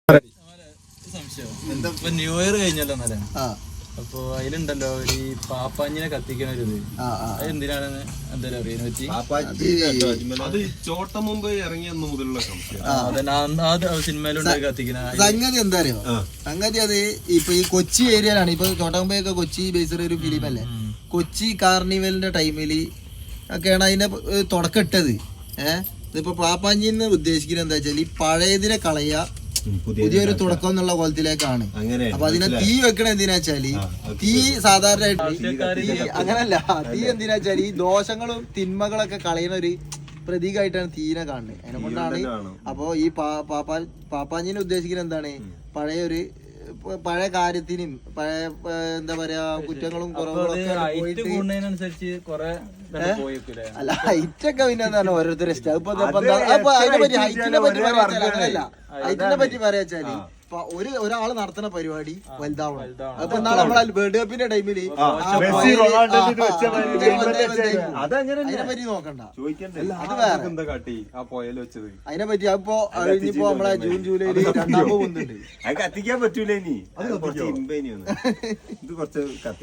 സംശയം new year കഴിഞ്ഞല്ലോ എന്നാലേ അപ്പൊ അതിലുണ്ടല്ലോ ഈ പാപ്പാഞ്ഞിനെ കത്തിക്കണ ഒരു ഇത് എന്തിനാണെന്ന് എന്തായാലും അറിയാൻ പറ്റി ചോട്ട മുമ്പ് ഇറങ്ങിയെന്ന് മുതലുള്ള സിനിമയിലുണ്ടായി കത്തിക്കണ സംഗതി എന്താ അറിയോ സംഗതി അത് ഇപ്പൊ ഈ കൊച്ചി ഏരിയയിലാണ് ഇപ്പൊ ചോട്ടമുമ്പൊക്കെ കൊച്ചി ബേസ്ഡ് ഒരു ഫിലിം അല്ലേ കൊച്ചി കാർണിവലിന്റെ ടൈമില് ഒക്കെയാണ് അതിന്റെ തുടക്കം ഇട്ടത് ഇതിപ്പോ പാപ്പാഞ്ഞിന്ന് ഉദ്ദേശിക്കുന്നത് എന്താ വെച്ചാൽ ഈ പഴയതിനെ കളയുക പുതിയൊരു തുടക്കം എന്നുള്ള കോലത്തിലേക്കാണ്. അപ്പൊ അതിനെ തീ വെക്കണ എന്തിനാ വെച്ചാല് തീ സാധാരണയായിട്ട് അങ്ങനല്ല, തീ എന്തിനാ വെച്ചാല് ഈ ദോഷങ്ങളും തിന്മകളൊക്കെ കളയുന്ന ഒരു പ്രതീകമായിട്ടാണ് തീനെ കാണുന്നത്. അതിനെ കൊണ്ടാണ് അപ്പൊ ഈ പാപ്പാഞ്ഞിനെ ഉദ്ദേശിക്കുന്നത് എന്താണ്, പഴയ കാര്യത്തിനും പഴയ എന്താ പറയാ കുറ്റങ്ങളും കുറവുകളും അല്ല ഹൈറ്റൊക്കെ പിന്നെ എന്താണ് ഓരോരുത്തരുടെ ഇഷ്ടം. അതിനെ പറ്റി ഹൈറ്റിനെ പറ്റി പറയാ അങ്ങനല്ല, ഹൈറ്റിനെ പറ്റി പറയാച്ചാല് ഒരാള് നടത്തുന്ന പരിപാടി വലുതാവണം. അപ്പൊ നാളെ നമ്മളെ വേൾഡ് കപ്പിന്റെ ടൈമില് അതിനെ പറ്റി നോക്കണ്ട, അത് വേറെ. അതിനെ പറ്റി അപ്പൊ ഇനിയിപ്പോ നമ്മളെ ജൂൺ ജൂലൈയില് 2ാം പോകുന്നുണ്ട്. കത്തിക്കാൻ പറ്റൂല ഇനി, ഇത് കുറച്ച്